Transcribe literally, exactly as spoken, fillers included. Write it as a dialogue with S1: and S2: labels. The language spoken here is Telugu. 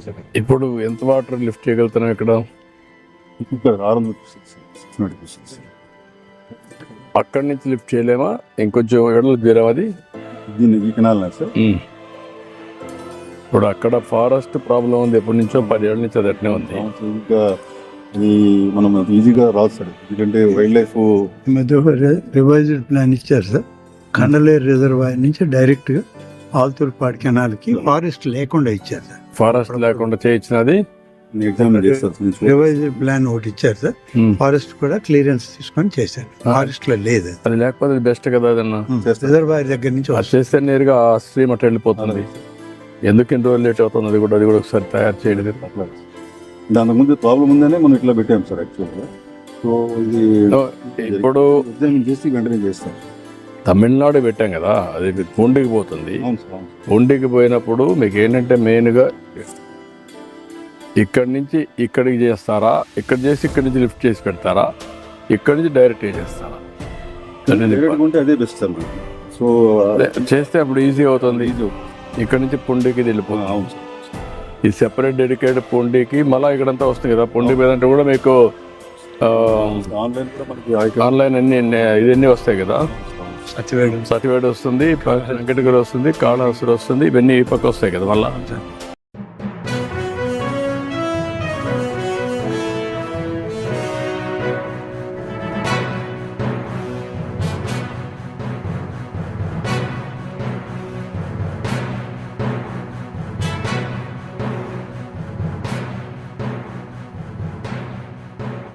S1: సార్.
S2: ఇప్పుడు ఎంత వాటర్ లిఫ్ట్ చేయగలుగుతున్నాం ఇక్కడ?
S1: ఇక్కడ ఆరు వందల సిక్స్ సిక్స్
S2: అక్కడి నుంచి లిఫ్ట్ చేయలేమా? ఇంకొంచెం ఎడలు తీరాం అది
S1: దీన్ని ఈ కెనాల్ సార్.
S2: ఇప్పుడు అక్కడ ఫారెస్ట్ ప్రాబ్లం ఉంది, ఎప్పటి నుంచో పది ఏళ్ళ నుంచి అది అట్నే ఉంది.
S1: ఇంకా ఇది మనం ఈజీగా రాదు సార్, ఎందుకంటే వైల్డ్ లైఫ్
S3: ఈ మధ్య రివైజ్డ్ ప్లాన్ ఇచ్చారు సార్. కండలేరు రిజర్వాయర్ నుంచి డైరెక్ట్ గా ఆల్తూర్పాడు కెనాల్కి ఫారెస్ట్ లేకుండా ఇచ్చారు సార్.
S2: ఫారెస్ట్ లేకుండా చేయించినది
S1: ఎగ్జామ్ చేస్తారు.
S3: రివైజ్డ్ ప్లాన్ ఒకటి ఇచ్చారు సార్. ఫారెస్ట్ కూడా క్లియరెన్స్ తీసుకొని చేశారు. ఫారెస్ట్ లో లేదు
S2: అది, లేకపోతే బెస్ట్ కదా అదన్నా.
S3: రిజర్వాయర్ దగ్గర నుంచి
S2: అది చేస్తే నేరుగా ఆ స్ట్రీమ్ అట్లా వెళ్ళిపోతుంది. ఎందుకు ఇన్ని రోజులు లేట్ అవుతుంది? అది కూడా అది కూడా ఒకసారి తయారు చేయలేదు.
S1: దాని ముందు ప్రాబ్లం ఉందనే మనం ఇట్లా పెట్టాం సార్ యాక్చువల్గా. సో ఇది
S2: ఇప్పుడు
S1: ఎగ్జామిన్ చేసి వెంటనే చేస్తాం.
S2: తమిళనాడు పెట్టాం కదా, అది పూండికి పోతుంది.
S1: అవును సార్, అవును.
S2: పూండికి పోయినప్పుడు మీకు ఏంటంటే మెయిన్గా ఇక్కడి నుంచి ఇక్కడికి చేస్తారా, ఇక్కడ చేసి ఇక్కడి నుంచి లిఫ్ట్ చేసి పెడతారా, ఇక్కడి నుంచి డైరెక్ట్ చేస్తారా?
S1: డైరెక్ట్గా ఉంటే అదే బెస్ట్ సార్ మనకి. సో
S2: చేస్తే అప్పుడు ఈజీ అవుతుంది. ఇక్కడ నుంచి పుండికి వెళ్ళిపోతుంది.
S1: అవును సార్.
S2: ఈ సెపరేట్ డెడికేటెడ్ పుండికి మళ్ళీ ఇక్కడంతా వస్తుంది కదా. పుండి మీద అంటే కూడా మీకు
S1: ఆన్లైన్ కూడా మనకి
S2: ఆన్లైన్ అన్ని ఇవన్నీ వస్తాయి కదా.
S3: సచివేడు
S2: సతివేడు వస్తుంది, వెంకటగిరి వస్తుంది, కాళహస్తి వస్తుంది, ఇవన్నీ ఈ పక్క వస్తాయి కదా మళ్ళీ.